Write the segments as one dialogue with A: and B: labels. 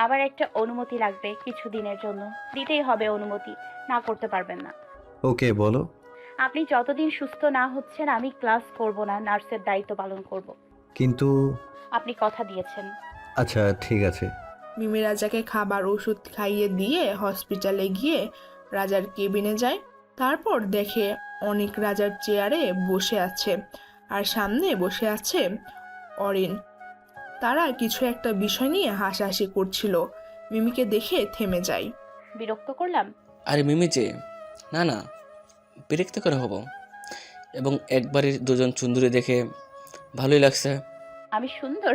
A: আমার একটা অনুমতি লাগবে কিছুদিনের জন্য। দিতেই হবে অনুমতি, না করতে পারবেন না।
B: ওকে বলো।
A: আপনি যতদিন সুস্থ না হচ্ছেন আমি ক্লাস করব না, নার্সের দায়িত্ব পালন করব।
B: কিন্তু
A: আপনি কথা দিয়েছেন।
B: আচ্ছা ঠিক আছে।
C: মিমি রাজাকে খাবার ওষুধ খাইয়ে দিয়ে হসপিটালে গিয়ে রাজার কেবিনে যায়। তারপর দেখে অনেক রাজার চেয়ারে বসে আছে আর সামনে বসে আছে অরিন। তারা কিছু একটা বিষয় নিয়ে হাসাহাসি করছিল। মিমিকে দেখে থেমে যায়।
A: বিরক্ত করলাম?
D: আরে মিমি যে, না না, বিরক্ত করে হব। এবং একবারই দুজন চুন্দরী দেখে ভালোই লাগছে।
A: আমি সুন্দর?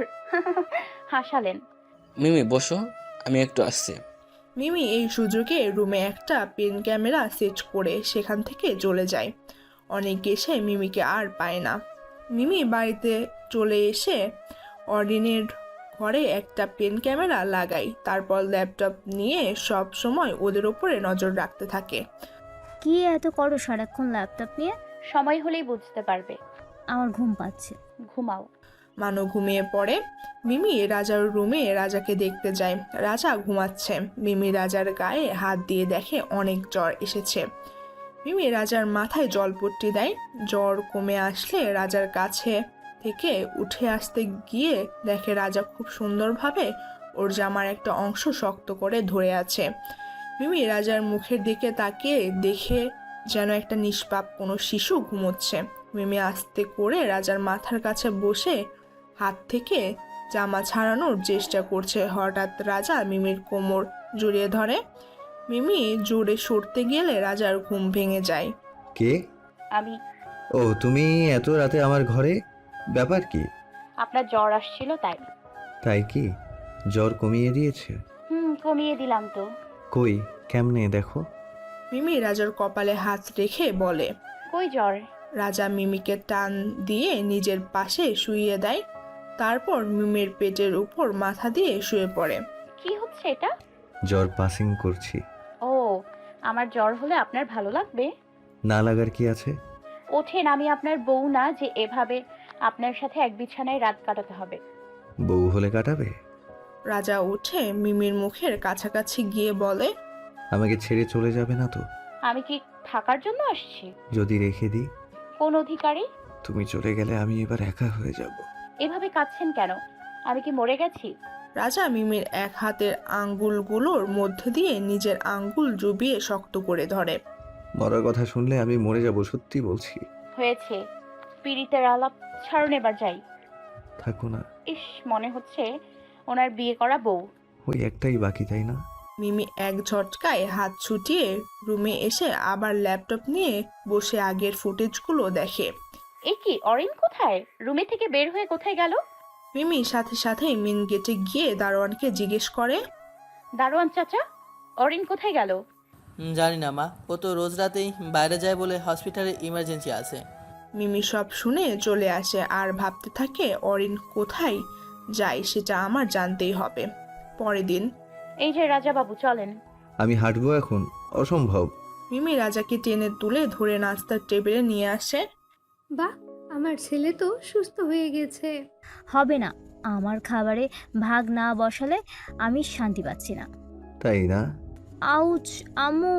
A: হাসালেন।
D: মিমি বসো, আমি একটু আসছি।
C: মিমি এই সুযোগে রুমে একটা পেন ক্যামেরা সেট করে সেখান থেকে চলে যায়। অনেক এসে মিমিকে আর পায় না। মিমি বাড়িতে চলে এসে অরিনের ঘরে একটা পেন ক্যামেরা লাগায়। তারপর ল্যাপটপ নিয়ে সব সময় ওদের ওপরে নজর রাখতে থাকে।
E: কি এত করো সারাক্ষণ ল্যাপটপ নিয়ে?
A: সময় হলেই বুঝতে পারবে।
E: আমার ঘুম পাচ্ছে।
A: ঘুমাও।
C: মানো ঘুমিয়ে পড়ে। মিমি রাজার রুমে রাজাকে দেখতে যায়। রাজা ঘুমাচ্ছে। মিমি রাজার গায়ে হাত দিয়ে দেখে অনেক জ্বর এসেছে। মিমি রাজার মাথায় জলপট্টি দেয়। জ্বর কমে আসলে রাজার কাছে থেকে উঠে আসতে গিয়ে দেখে রাজা খুব সুন্দরভাবে ওর জামার একটা অংশ শক্ত করে ধরে আছে। মিমি রাজার মুখের দিকে তাকিয়ে দেখে যেন একটা নিষ্পাপ কোনো শিশু ঘুমোচ্ছে। মিমি আস্তে করে রাজার মাথার কাছে বসে হাত থেকে জামা ছাড়ানোর চেষ্টা করছে। হঠাৎ রাজা মিমির কোমর জড়িয়ে ধরে। মিমি জোরে সরতে গেলে রাজার ঘুম ভেঙে যায়।
B: কে?
A: আমি।
B: ও তুমি এত রাতে আমার ঘরে, ব্যাপার কি?
A: আপনার জ্বর আসছিল তাই।
B: তাই কি? জ্বর কমিয়ে দিয়েছে?
A: কমিয়ে দিলাম তো।
B: কই কেমনে দেখো।
C: মিমি রাজার কপালে হাত রেখে বলে।
A: কই জ্বর?
C: রাজা মিমিকে টান দিয়ে নিজের পাশে শুইয়ে দেয়। তারপর মিমির পেটের উপর মাথা দিয়ে শুয়ে পড়ে।
A: কি হচ্ছে এটা?
B: জ্বর পাসিং করছি।
A: ও, আমার জ্বর হলে আপনার ভালো লাগবে?
B: না লাগার কি আছে?
A: ওঠেন, আমি আপনার বউ না যে এভাবে আপনার সাথে এক বিছানায় রাত কাটাতে হবে।
B: বউ হলে কাটাবে?
C: রাজা উঠে মিমির মুখের কাছাকাছি গিয়ে বলে।
B: আমাকে ছেড়ে চলে যাবে না তো?
A: আমি কি থাকার জন্য আসছি?
B: যদি রেখে দিই?
A: কোন অধিকারী?
B: তুমি চলে গেলে আমি এবার একা হয়ে যাব।
A: এভাবে কাঁদছেন কেন? আমি কি মরে গেছি?
C: রাজা মিমির এক হাতের আঙ্গুলগুলোর মধ্যে দিয়ে নিজের আঙ্গুল জুবিয়ে শক্ত করে ধরে।
B: মরার কথা শুনলে আমি মরে যাব, সত্যি বলছি।
A: হয়েছে, পীড়িতের আলাপ ছাড়ুন, এবার যাই।
B: থাকো না।
A: ইস, মনে হচ্ছে ওনার বিয়ে করা বউ।
B: ওই একটাই বাকি, তাই না?
C: মিমি এক ঝটকায় হাত ছুটিয়ে রুমে এসে আবার ল্যাপটপ নিয়ে বসে আগের ফুটেজগুলো দেখে।
A: এ কি, অরিন কোথায়? রুমে থেকে বের হয়ে কোথায় গেল?
C: মিমি সাথে সাথেই মেন গেটে গিয়ে দারোয়ানকে জিজ্ঞেস করে।
A: দারোয়ান চাচা, অরিন কোথায় গেল?
F: জানি না মা, ও তো রোজ রাতেই বাইরে যায় বলে হসপিটালে ইমার্জেন্সি আছে।
C: মিমি সব শুনে চলে আসে আর ভাবতে থাকে অরিন কোথায় যায় সেটা আমার জানতেই হবে। পরের দিন
A: এই যে রাজা বাবু, চলেন।
B: আমি হাঁটবো এখন? অসম্ভব।
C: মিমি রাজাকে টেনে তুলে ধরে নাস্তার টেবিলে নিয়ে আসে।
G: বাহ, আমার ছেলে তো সুস্থ হয়ে গেছে।
E: হবে না, আমার খাবারে ভাগ না বসালে আমি শান্তি পাচ্ছি না।
B: তাই না?
E: আউচ, আম্মু।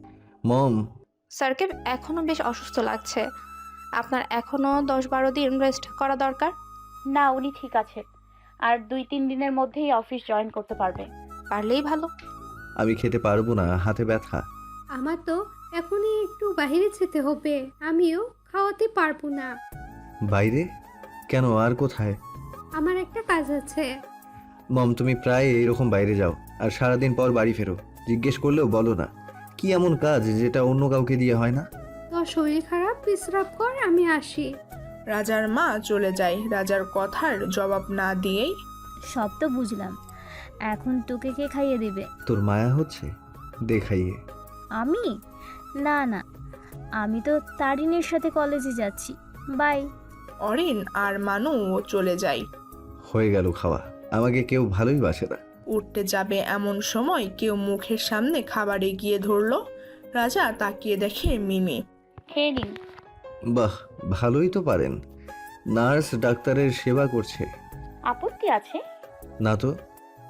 B: মম।
H: স্যারকে এখনও বেশ অসুস্থ লাগছে। আপনার এখনও 10-12 দিন রেস্ট করা দরকার।
A: না, উনি ঠিক আছে, আর 2-3 দিনের মধ্যেই অফিস জয়েন করতে পারবে।
H: পারলেই ভালো।
B: আমি খেতে পারবো না, হাতে ব্যথা।
G: আমার তো এখনই একটু বাইরে যেতে হবে, আমিও খাওয়াতে পারবো না।
B: বাইরে? কেন, আর কোথায়?
G: আমার একটা কাজ আছে।
B: মম, তুমি প্রায় এইরকম বাইরে যাও আর সারাদিন পর বাড়ি ফেরো। জিজ্ঞেস করলেও বলো না। কি এমন কাজ যেটা অন্য কাউকে দিয়ে হয় না?
G: তোর শরীর খারাপ, বিশ্রাম কর, আমি আসি।
C: রাজার মা চলে যায়। রাজার কথার জবাব না দিয়েই
E: সব তো বুঝলাম, এখন তোকে কে খাইয়ে দেবে?
B: তোর মায়া হচ্ছে? দেখাইয়ে।
E: আমি? না না, আমি তো তারিনের সাথে কলেজে যাচ্ছি। বাই।
C: অরিন আর মানু চলে যায়।
B: হয়ে গেল খাওয়া। আমাকে কেউ ভালোই বাসে না।
C: উঠতে যাবে এমন সময় কেউ মুখের সামনে খাবার এগিয়ে ধরলো। রাজা তাকিয়ে দেখে মিমি।
A: খেয়ে নিন।
B: বাহ, ভালোই তো পারেন। নার্স ডাক্তারের সেবা করছে।
A: আপত্তি আছে?
B: না তো।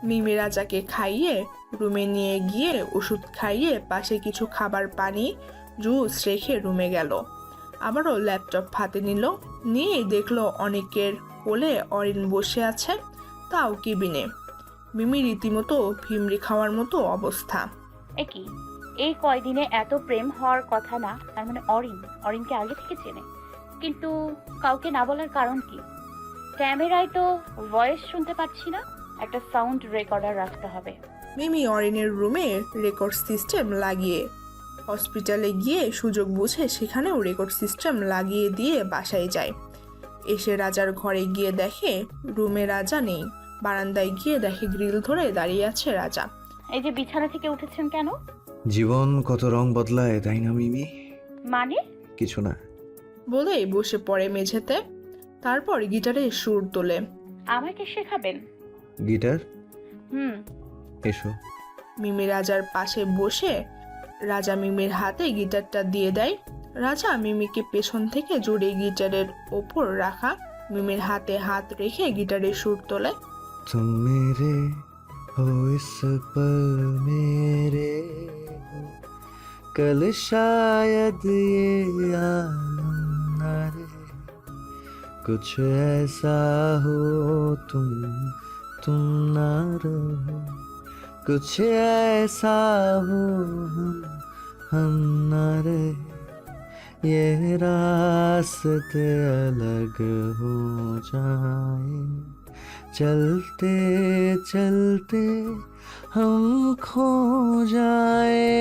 C: মিমি রাজাকে খাইয়ে রুমে নিয়ে গিয়ে ওষুধ খাইয়ে পাশে কিছু খাবার পানি জুস রেখে রুমে গেল। আবারও ল্যাপটপ হাতে নিল, নিয়ে দেখলো অনেকের কোলে অরিন বসে আছে, তাও কেবিনে। মিমি রীতিমতো ভিমরি খাওয়ার মতো অবস্থা।
A: কি এই কয়দিনে এত প্রেম হওয়ার কথা না, তার মানে অরিনকে আগে থেকে চেনে, কিন্তু কাউকে না বলার কারণ কি? ক্যামেরায় তো ভয়েস শুনতে পাচ্ছি না, একটা সাউন্ড রেকর্ডার রাখতে হবে।
C: মিমি অরিনের রুমে রেকর্ড সিস্টেম লাগিয়ে হসপিটালে গিয়ে সুযোগ বুঝে সেখানেও রেকর্ড সিস্টেম লাগিয়ে দিয়ে বাসায় যায়। এসে রাজার ঘরে গিয়ে দেখে রুমে রাজা নেই। বারান্দায় গিয়ে দেখে গ্রিল ধরে দাঁড়িয়ে আছে রাজা।
A: এই যে বিছানা থেকে উঠেছেন কেন?
B: জীবন কত রং বদলায়, তাই না মিমি?
A: মানে?
B: কিছু না।
C: বলেই বসে পড়ে মেঝেতে, তারপর গিটারে সুর তোলে।
A: আমাকে শেখাবেন?
B: গিটার?
A: হুম।
B: এসো।
C: মিমি রাজার পাশে বসে রাজা মিমির হাতে গিটারটা দিয়ে দেয়। রাজা মিমিকে পেছন থেকে জুড়ে গিটারের ওপর রাখা মিমির হাতে হাত রেখে গিটারে সুর তোলে।
B: तुम मेरे हो इस पल मेरे हो, कल शायद ये आलम न रहे, कुछ ऐसा हो तुम ना रहो, कुछ ऐसा हो हम ना रहे, ये रास्ते अलग हो जाए, चलते चलते हम खो जाए,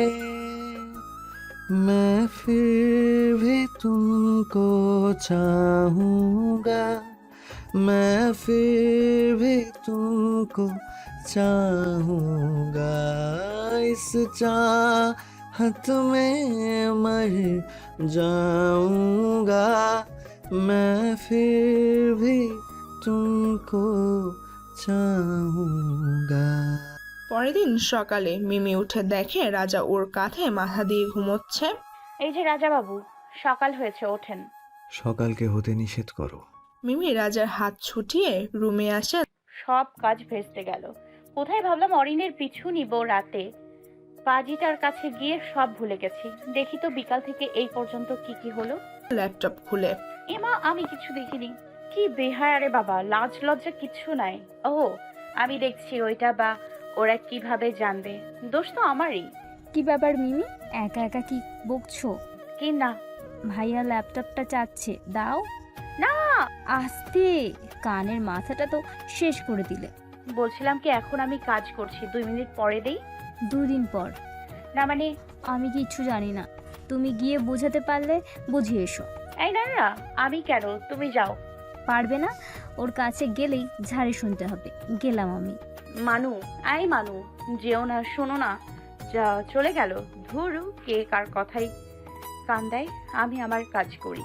B: मैं फिर भी तुमको चाहूँगा, मैं फिर भी तुमको चाहूँगा, इस चाहत में मर जाऊँगा, मैं फिर भी तुमको चाहूँगा।
C: পরের দিন সকালে মিমি উঠে দেখে রাজা ওর কাঁধে মাথা দিয়ে ঘুমোচ্ছে।
A: এই যে রাজা বাবু, সকাল হয়েছে, ওঠেন।
B: সকালকে হতে নিষেধ করো।
C: মিমি রাজার হাত ছুটিয়ে রুমে আসে।
A: সব কাজ ভেস্তে গেল। কোথায় ভাবলাম অরিনের পিছু নিব রাতে, পাজিটার কাছে গিয়ে সব ভুলে গেছি। দেখি তো বিকাল থেকে এই পর্যন্ত কি কি হলো।
C: ল্যাপটপ খুলে
A: এমা, আমি কিছু দেখিনি। কি বেহায়া রে বাবা, লাজ লজ্জা কিচ্ছু নাই। ও, আমি দেখছি ওইটা, বা ওরা কিভাবে জানবে? দোষ তো আমারই।
E: কি ব্যাপার মিমি, একা একা কি বকছো?
A: কি না?
E: ভাইয়া ল্যাপটপটা চাচ্ছে, দাও
A: না,
E: আস্তে, কানের মাথাটা তো শেষ করে দিলে।
A: বলছিলাম কি, এখন আমি কাজ করছি, 2 মিনিট পরে দেই।
E: 2 দিন পর?
A: না মানে,
E: আমি কিচ্ছু জানি না, তুমি গিয়ে বোঝাতে পারলে বুঝিয়ে এসো।
A: এই না না, আমি কেন, তুমি যাও।
E: পারবে না? ওর কাছে গেলেই ঝাড়ি শুনতে হবে। গেলাম আমি।
A: মানু, মানু, যেও না, শোনো না। যা চলে গেল। ধুরু, কে কার কথাই কান দেয়। আমি আমার কাজ করি।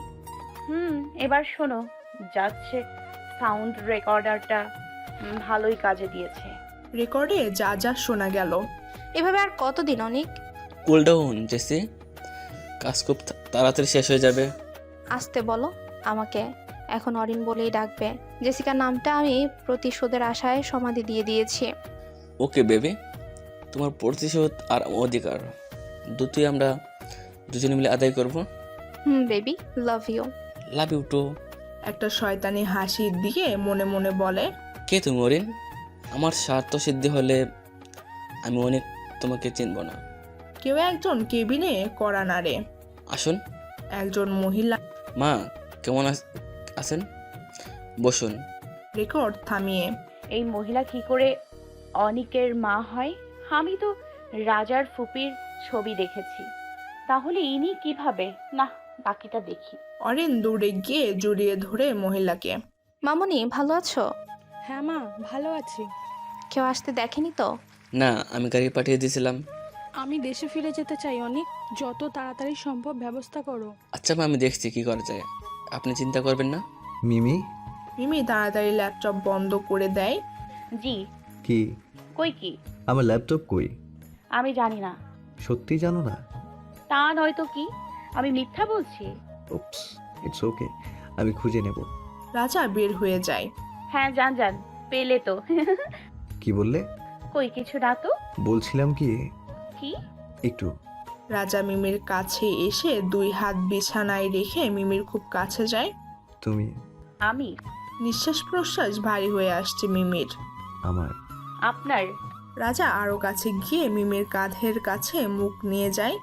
A: এবার শোনো, যাচ্ছে সাউন্ড রেকর্ডারটা ভালোই কাজে দিয়েছে।
C: রেকর্ডে যা যা শোনা গেল।
H: এভাবে আর কতদিন অনেক?
D: কুল ডাউন জেসি, কাজ খুব তাড়াতাড়ি শেষ হয়ে যাবে।
H: আসতে বলো আমাকে, এখন অরিন বলেই ডাকবে। জেসিকার নামটা আমি প্রতিশোধের আশায় সমাধি দিয়ে দিয়েছি।
D: ওকে বেবি, তোমার প্রতিশোধ আর অধিকার দুটোই আমরা দুজনে মিলে আদায় করব।
H: Baby, love you.
D: Love you too.
C: একটা শয়তানি হাসির দিকে মনে মনে বলে,
D: কে তুমি অরিন? আমার স্বার্থ সিদ্ধি হলে আমি অনেক তোমাকে চিনব না।
C: কেউ একজন কেবিনে কড়া নাড়ে।
D: আসুন।
C: একজন মহিলা
D: মা, কেমন আছেন? বসুন।
C: রেকর্ড থামিয়ে,
A: এই মহিলা কি করে অনিকের মা হয়? আমি তো রাজার ফুপির ছবি দেখেছি, তাহলে ইনি কিভাবে? না, বাকিটা দেখি।
C: অরিন দৌড়ে গিয়ে জড়িয়ে ধরে মহিলাকে।
H: মামনি, ভালো আছো?
I: হ্যাঁ মা, ভালো আছি।
H: কেউ আসতে দেখেনি তো?
D: না, আমি গাড়ি পাঠিয়ে দিয়েছিলাম।
I: আমি দেশে ফিরে যেতে চাই অনেক, যত তাড়াতাড়ি সম্ভব ব্যবস্থা করো।
D: আচ্ছা মা, আমি দেখছি কি করা যায়, আপনি চিন্তা করবেন না।
B: মিমি?
C: মিমি তাড়াতাড়ি ল্যাপটপ বন্ধ করে দেয়।
A: জি।
B: কি?
A: কই কি?
B: আমার ল্যাপটপ কই?
A: আমি জানি না।
B: সত্যি জানো না?
A: তা নয়তো কি, আমি মিথ্যা বলছি?
B: উপস, ইটস ওকে, আমি খুঁজে নেব।
C: রাজা বের হয়ে যায়।
A: হ্যাঁ, যান, পেলে তো।
B: কি বললে?
A: কই কিছু না তো।
B: বলছিলাম কি,
A: কি?
B: একটু।
C: রাজা মিমির কাছে এসে 2 হাত বিছানায় রেখে মিমির খুব কাছে যায়।
B: তুমি
A: আমি?
C: নিঃশ্বাস প্রশ্বাস ভারী হয়ে আসছে মিমির।
B: আমার।
A: আপনার?
C: রাজা আরও কাছে গিয়ে মিমির কাঁধের কাছে মুখ নিয়ে যায়,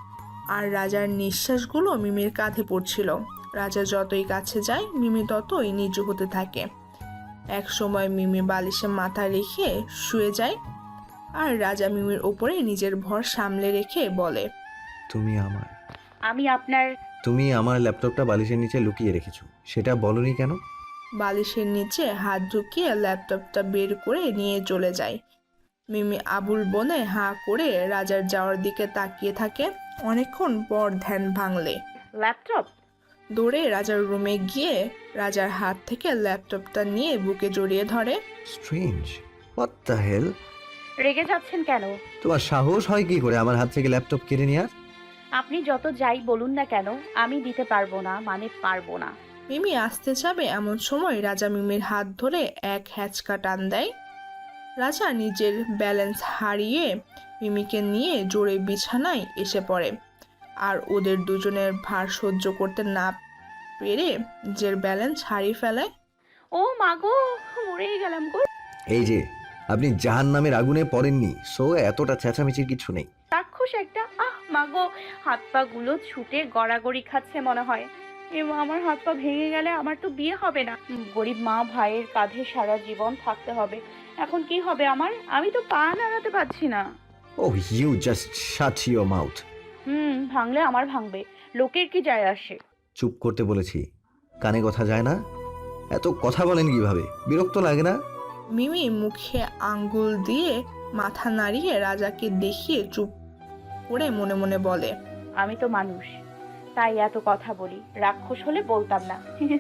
C: আর রাজার নিঃশ্বাসগুলো মিমির কাঁধে পড়ছিল। রাজা যতই কাছে যায় মিমি ততই নিচু হতে থাকে। এক সময় মিমি বালিশে মাথা রেখে শুয়ে যায়, আর রাজা মিমির ওপরে নিজের ভর সামলে রেখে বলে,
B: তুমি আমার।
A: আমি আপনার?
B: তুমি আমার ল্যাপটপটা বালিশের নিচে লুকিয়ে রেখেছো, সেটা বলনি কেন?
C: বালিশের নিচে হাত ঢুকিয়ে ল্যাপটপটা বের করে নিয়ে চলে যায়। মিমি আবুল বনে হাঁ করে রাজার যাওয়ার দিকে তাকিয়ে থাকে। অনেকক্ষণ পর ধ্যান ভাঙলে
A: ল্যাপটপ?
C: দৌড়ে রাজার রুমে গিয়ে রাজার হাত থেকে ল্যাপটপটা নিয়ে বুকে জড়িয়ে ধরে।
B: Strange, what the hell?
A: রেগে যাচ্ছেন কেন?
B: তোমার সাহস হয় কি করে আমার হাত থেকে ল্যাপটপ কেড়ে নেওয়ার?
A: আপনি যত যাই বলুন না কেন, আমি দিতে পারবো না, মানে পারবো না।
C: মিমি আসতে যাবে এমন সময় রাজা মিমির হাত ধরে এক হ্যাচকা টান দেয়। রাজা নিজের ব্যালেন্স হারিয়ে মিমিকে নিয়ে জোরে বিছানায় এসে পড়ে, আর ওদের দুজনের ভার সহ্য করতে না পেরে নিজের ব্যালেন্স হারিয়ে ফেলে।
A: ও মাগো, মরেই গেলাম গো।
B: এই যে, আপনি জাহান্নামের আগুনে পড়েননি, সো এতটা চেঁচামেচির কিছু নেই।
A: রাক্ষস একটা। মাগো, হাত পা গুলো ছুটে গড়াগড়ি খাচ্ছে মনে হয়। এবং আমার হাত পা ভেঙে গেলে আমার তো বিয়ে হবে না। গরিব মা ভাইয়ের কাঁধে সারা জীবন থাকতে হবে। এখন কি হবে আমার? আমি তো পা নাড়াতে পারছি না।
B: Oh, you just shut your mouth.
A: ভাঙলে আমার ভাঙবে, লোকের কি যায় আসে?
B: চুপ করতে বলেছি, কানে কথা যায় না? এত কথা বলেন কিভাবে? বিরক্ত লাগে না?
C: মিমি মুখে আঙ্গুল দিয়ে মাথা নাড়িয়ে রাজাকে দেখিয়ে চুপ করে মনে মনে বলে,
A: আমি তো মানুষ, তাই এত কথা বলি। রাক্ষস হলে বলতাম না।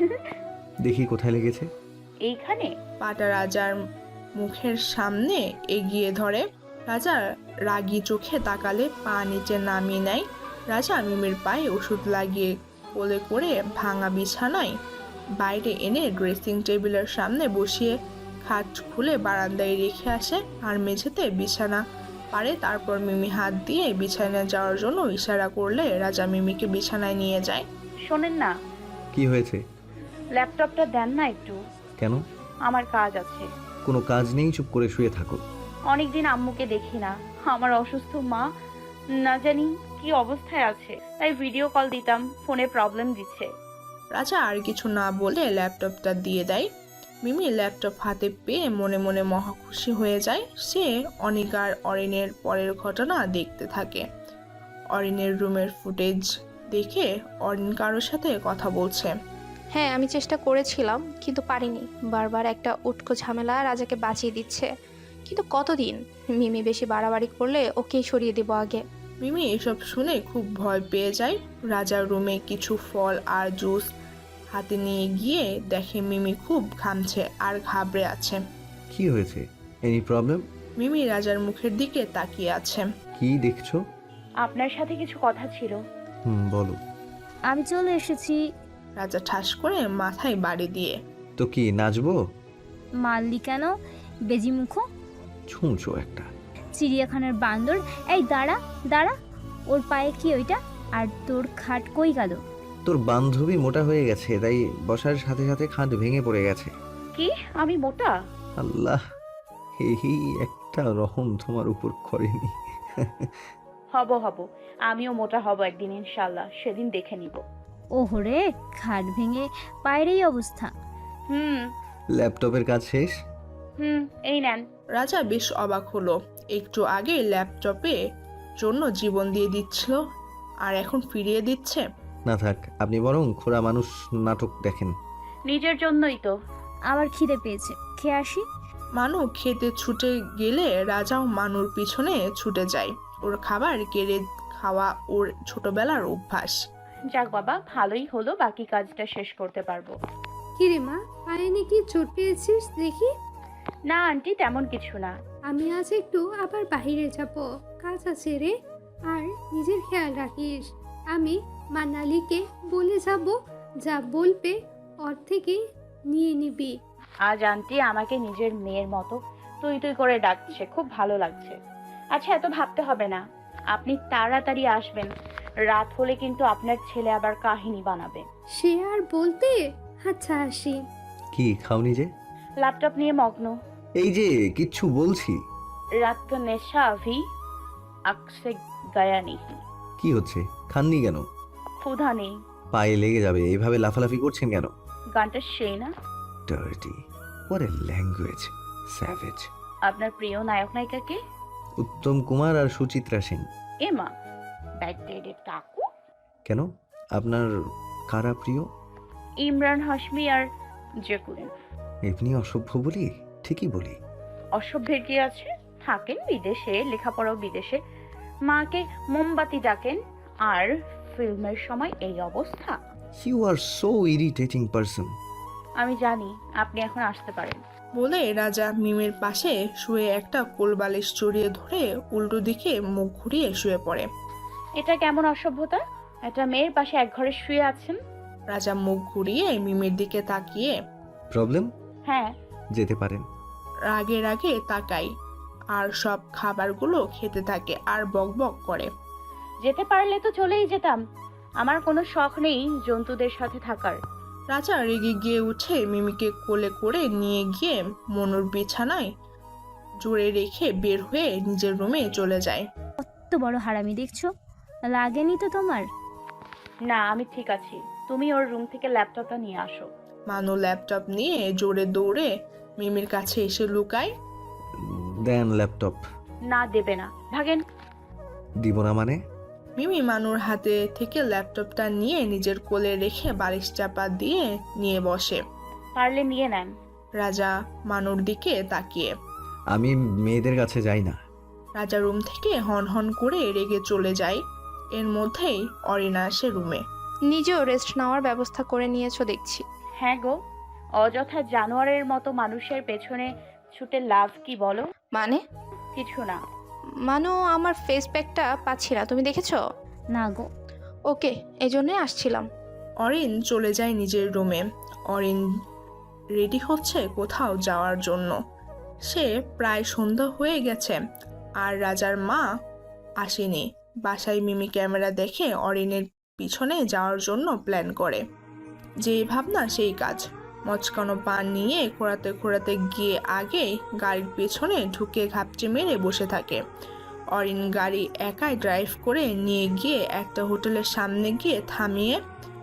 B: দেখি কোথায় লেগেছে।
A: এইখানে?
C: পাটা রাজার মুখের সামনে এগিয়ে ধরে। রাজা রাগী চোখে তাকালে পা নিচে নামিয়ে নেয়। রাজা মিমির পায়ে ওষুধ লাগিয়ে কোলে করে ভাঙা বিছানায় বাইরে এনে ড্রেসিং টেবিলের সামনে বসিয়ে খাট খুলে বারান্দায় রেখে আসে, আর মেঝেতে বিছানা পারে। তারপর মিমি হাত দিয়ে বিছানায় যাওয়ার জন্য ইশারা করলে রাজা মিমিকে বিছানায় নিয়ে যায়।
A: শোনেন না,
B: কি হয়েছে?
A: ল্যাপটপটা দেন না একটু,
B: কেন?
A: আমার কাজ আছে।
B: কোনো কাজ নেই, চুপ করে শুয়ে থাকো।
A: অনেকদিন আম্মুকে দেখি না। আমার অসুস্থ মা না জানি কি অবস্থায় আছে, তাই ভিডিও কল দিতাম, ফোনে প্রবলেম দিচ্ছে।
C: রাজা আর কিছু না বলে ল্যাপটপটা দিয়ে দেয়। মিমি ল্যাপটপ হাতে পেয়ে মনে মনে মহা খুশি হয়ে যায়। সে অনিকার অরিনের পরের ঘটনা দেখতে থাকে। অরিনের রুমের ফুটেজ দেখে অরিন কারোর সাথে কথা বলছে।
H: হ্যাঁ, আমি চেষ্টা করেছিলাম কিন্তু পারিনি। বারবার একটা উটকো ঝামেলা রাজাকে বাঁচিয়ে দিচ্ছে, কিন্তু কতদিন? মিমি বেশি বাড়াবাড়ি করলে ওকেই সরিয়ে দেবো আগে।
C: মিমি এসব শুনে খুব ভয় পেয়ে যায়। রাজার রুমে কিছু ফল আর জুস হাতে নিয়ে গিয়ে দেখে মিমি খুব ঘামছে আর ঘাবড়ে আছে।
B: কি হয়েছে? Any problem?
C: মিমি রাজার মুখের দিকে তাকিয়ে আছে।
B: কি দেখছো?
A: আপনার সাথে কিছু কথা ছিল।
B: বলো।
E: আমি চলে এসেছি।
C: রাজা ঠাস করে মাথায় বাড়ি দিয়ে,
B: তো কি নাচবো?
E: মারলি কেন বেজিমুখো?
B: ছুঁচো একটা।
E: চিড়িয়াখানার বান্দর। এই দাঁড়া দাঁড়া, ওর পায়ে কি ওইটা? আর তোর খাট কই গেল?
B: তোর বান্ধবী মোটা হয়ে গেছে, তাই বসার সাথে সাথে খাট ভেঙে পড়ে গেছে।
A: কি আমি মোটা?
B: আল্লাহ, এই একটা রহম তোমার উপর করেনি।
A: হব, আমিও মোটা হব একদিন ইনশাল্লাহ, সেদিন দেখে নিব।
E: ওহরে, খাট ভেঙে পায়ের এই অবস্থা।
B: ল্যাপটপের কাজ শেষ?
A: এই নেন।
C: রাজা বেশ অবাক হলো। একটু আগে ল্যাপটপে জন্য জীবন দিয়ে দিচ্ছিল, আর এখন ফিরিয়ে দিচ্ছে।
B: না থাক, আপনি বরং খোড়া মানুষ নাটক দেখেন।
A: নিজের জন্যই তো।
E: আবার খিদে পেয়েছে, খেয়ে আসি।
C: মানু খেতে ছুটে গেলে রাজাও মানুর পিছনে ছুটে যায়। ওর খাবার কেড়ে খাওয়া ওর ছোটবেলার অভ্যাস।
A: যাক বাবা, ভালোই হলো, বাকি কাজটা শেষ করতে পারবো।
G: কিরে মা, পায়ে নাকি চোট পেয়েছিস দেখি?
A: না আন্টি, তেমন কিছু না।
G: আমি আজ একটু আবার বাইরে যাব, কাজ আছে রে। আর নিজের খেয়াল রাখিস। আমি মানালিকে বলে যাব, যা বলবে ওর থেকে নিয়ে নিবি।
A: আজ আন্টি আমাকে নিজের মেয়ের মতো তুই তুই করে ডাকছে, খুব ভালো লাগছে। আচ্ছা, এত ভাবতে হবে না, আপনি তাড়াতাড়ি আসবেন। রাত হলে কিন্তু আপনার ছেলে আবার কাহিনী বানাবে।
G: সে আর বলতে। আচ্ছা আসি।
B: কি খাওনি যে?
A: ল্যাপটপ নিয়ে মগ্ন।
B: এই যে কিচ্ছু বলছি।
A: রাত কা নেশা अभी आँख से गया नहीं।
B: কি হচ্ছে? খাননি কেন?
A: ক্ষুধা নেই।
B: পায়ে লেগে যাবে, এইভাবে লাফালাফি করছেন কেন?
A: গানটা সেই না?
B: Dirty, what a language, savage.
A: আপনার প্রিয় নায়ক নায়িকাকে?
B: উত্তম কুমার আর সুচিত্রা সেন।
A: এমা, ব্যাকডেটেড কাকু।
B: কেন, আপনার কারা প্রিয়?
A: ইমরান হাশমি আর জেকুলিন।
B: এমনি অসভ্য বলি? ঠিকই বলি।
A: অসভ্যের কি আছে? থাকেন বিদেশে, লেখাপড়াও বিদেশে, মাকে মোমবাতি ডাকেন, আর ফিল্মের সময় এই অবস্থা।
B: You are so irritating person.
A: আমি জানি, আপনি এখন আসতে পারেন।
C: বলে রাজা মিমের পাশে শুয়ে একটা কোলবালিশ জড়িয়ে ধরে উল্টো দিকে মুখ ঘুরিয়ে শুয়ে পড়ে।
A: এটা কেমন অসভ্যতা? একটা মেয়ের পাশে এক ঘরে শুয়ে আছেন।
C: রাজা মুখ ঘুরিয়ে মিমের দিকে তাকিয়ে
B: প্রবলেম?
A: হ্যাঁ।
B: যেতে পারেন।
C: রাগে রাগে তাকাই আর সব খাবারগুলো খেতে থাকে আর বকবক করে।
A: যেতে পারলে তো চলেই যেতাম, আমার কোনো শখ নেই জন্তুদের সাথে থাকার।
C: রাজা রেগে গিয়ে উঠে মিমিকে কোলে করে নিয়ে গিয়ে মনুর বিছানায় জোরে রেখে বের হয়ে নিজের রুমে চলে যায়।
E: কত বড় হারামি দেখছো, লাগেনি তো তোমার?
A: না, আমি ঠিক আছি, তুমি ওর রুম থেকে ল্যাপটপটা নিয়ে আসো।
C: মানু ল্যাপটপ নিয়ে জোরে দৌড়ে মিমির কাছে এসে লুকায়।
B: দেন ল্যাপটপ।
A: না, দেবে না, ভাগেন।
B: দিব না মানে?
C: মিমি মানুর হাতে থেকে ল্যাপটপটা নিয়ে নিজের কোলে রেখে বালিশ চাপা দিয়ে নিয়ে বসে।
A: পারলে নিয়ে নেন।
C: রাজা মানুর দিকে তাকিয়ে।
B: আমি মেয়েদের কাছে যাই না।
C: রাজা রুম থেকে হন হন করে রেগে চলে যায়। এর মধ্যেই অরিনা আসে রুমে।
H: নিজেও রেস্ট নেওয়ার ব্যবস্থা করে নিয়েছো দেখছি।
A: হ্যাঁ গো, অযথা জানোয়ারের মতো মানুষের পেছনে ছুটে লাভ কি বলো?
H: মানে?
A: কিছু না।
H: মানু, আমার ফেস প্যাকটা পাচ্ছি না, তুমি দেখেছো?
E: না গো।
H: ওকে, এই জন্যই আসছিলাম।
C: অরিন চলে যায় নিজের রুমে। অরিন রেডি হচ্ছে কোথাও যাওয়ার জন্য। সে প্রায় সন্ধ্যা হয়ে গেছে আর রাজার মা আসেনি। বাসায় মিমি ক্যামেরা দেখে অরিনের পিছনে যাওয়ার জন্য প্ল্যান করে। যেই ভাবনা সেই কাজ। মচকানো পান নিয়ে খোঁড়াতে খোঁড়াতে গিয়ে আগে গাড়ির পেছনে ঢুকে ঘাপচে মেরে বসে থাকে। অরিন গাড়ি একাই ড্রাইভ করে নিয়ে গিয়ে একটা হোটেলের সামনে গিয়ে থামিয়ে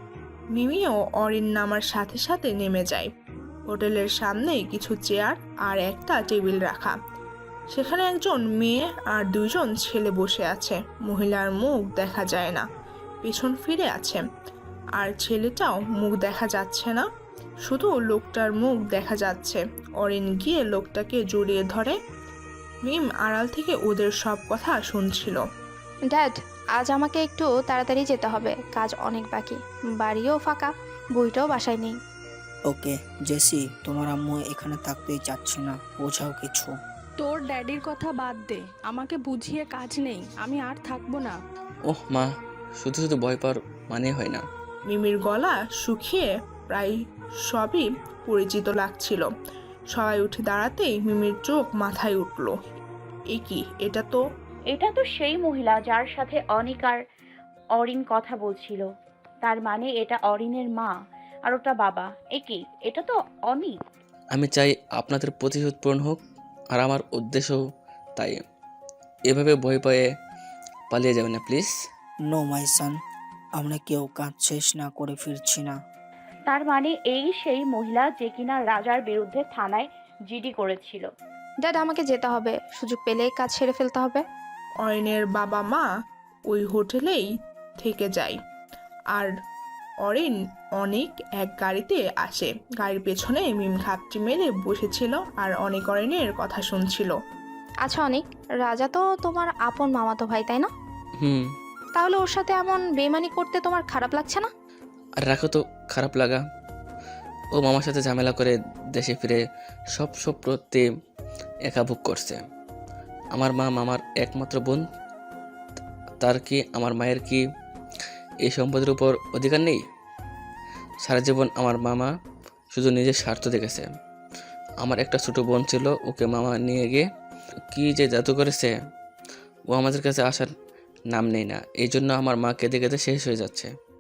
C: মিমিও অরিন নামার সাথে সাথে নেমে যায়। হোটেলের সামনে কিছু চেয়ার আর একটা টেবিল রাখা। সেখানে একজন মেয়ে আর দুজন ছেলে বসে আছে। মহিলার মুখ দেখা যায় না, পেছন ফিরে আছে। আর ছেলেটাও মুখ দেখা যাচ্ছে না, শুধু লোকটার মুখ দেখা যাচ্ছে। অরিন গিয়ে লোকটাকে জড়িয়ে ধরে। মিম আড়াল থেকে ওদের সব কথা শুনছিল।
H: ড্যাড, আজ আমাকে একটু তাড়াতাড়ি যেতে হবে, কাজ অনেক বাকি। বাড়িও ফাঁকা, বইটাও বাসায় নেই।
J: ওকে জেসি, তোমার আম্মু এখানে থাকতেই চাচ্ছে না, বোঝাও কিছু।
I: তোর ড্যাডির কথা বাদ দে, আমাকে বুঝিয়ে কাজ নেই, আমি আর থাকবো না।
D: ওহ মা, শুধু শুধু ভয় পাওয়ার মানে হয় না।
C: মিমির গলা শুকিয়ে প্রায় সবই পরিচিত লাগছিল। সবাই উঠে দাঁড়াতেই মিমির চোখ মাথায় উঠল। এ কি,
A: এটা তো সেই মহিলা যার সাথে অনিক আর অরিন কথা বলছিল। তার মানে এটা অরিনের মা আর ওটা বাবা। কি, এটা তো অনিক।
D: আমি চাই আপনাদের প্রতিশোধ পূরণ হোক, আর আমার উদ্দেশ্য তাই। এভাবে ভয় পেয়ে পালিয়ে যাবেন না প্লিজ।
J: নো মাই সান, আমরা কেউ কাজ শেষ না করে ফিরছি না।
A: তার মানে এই সেই মহিলা যে কিনা রাজার বিরুদ্ধে থানায় জিডি করেছিল।
H: ড্যাড, আমাকে যেতে হবে, সুযোগ পেলেই কাজ সেরে ফেলতে হবে।
C: অরিনের বাবা মা ওই হোটেলেই থেকে যায়। আর অনেক এক গাড়িতে আসে। গাড়ির পেছনে মিম ঘাপটি মেরে বসেছিল আর অরিনের কথা শুনছিল।
H: আচ্ছা অনিক, রাজা তো তোমার আপন মামাতো ভাই, তাই না?
D: হুম।
H: তাহলে ওর সাথে এমন বেইমানি করতে তোমার খারাপ লাগছে না?
D: আর রাখো তো খারাপ লাগা। ও মামার সাথে ঝামেলা করে দেশে ফিরে সব প্রতি একা ভোগ করছে। আমার মা মামার একমাত্র বোন, তার কি আমার মায়ের কি এই সম্পদের উপর অধিকার নেই? সারা জীবন আমার মামা শুধু নিজের স্বার্থ দেখেছে। আমার একটা ছোট বোন ছিল, ওকে মামা নিয়ে গিয়ে কি যে জাদু করেছে, ও আমাদের কাছে আসার নাম নেই না। এই জন্য আমার মা কেঁদে কেঁদে শেষ হয়ে যাচ্ছে।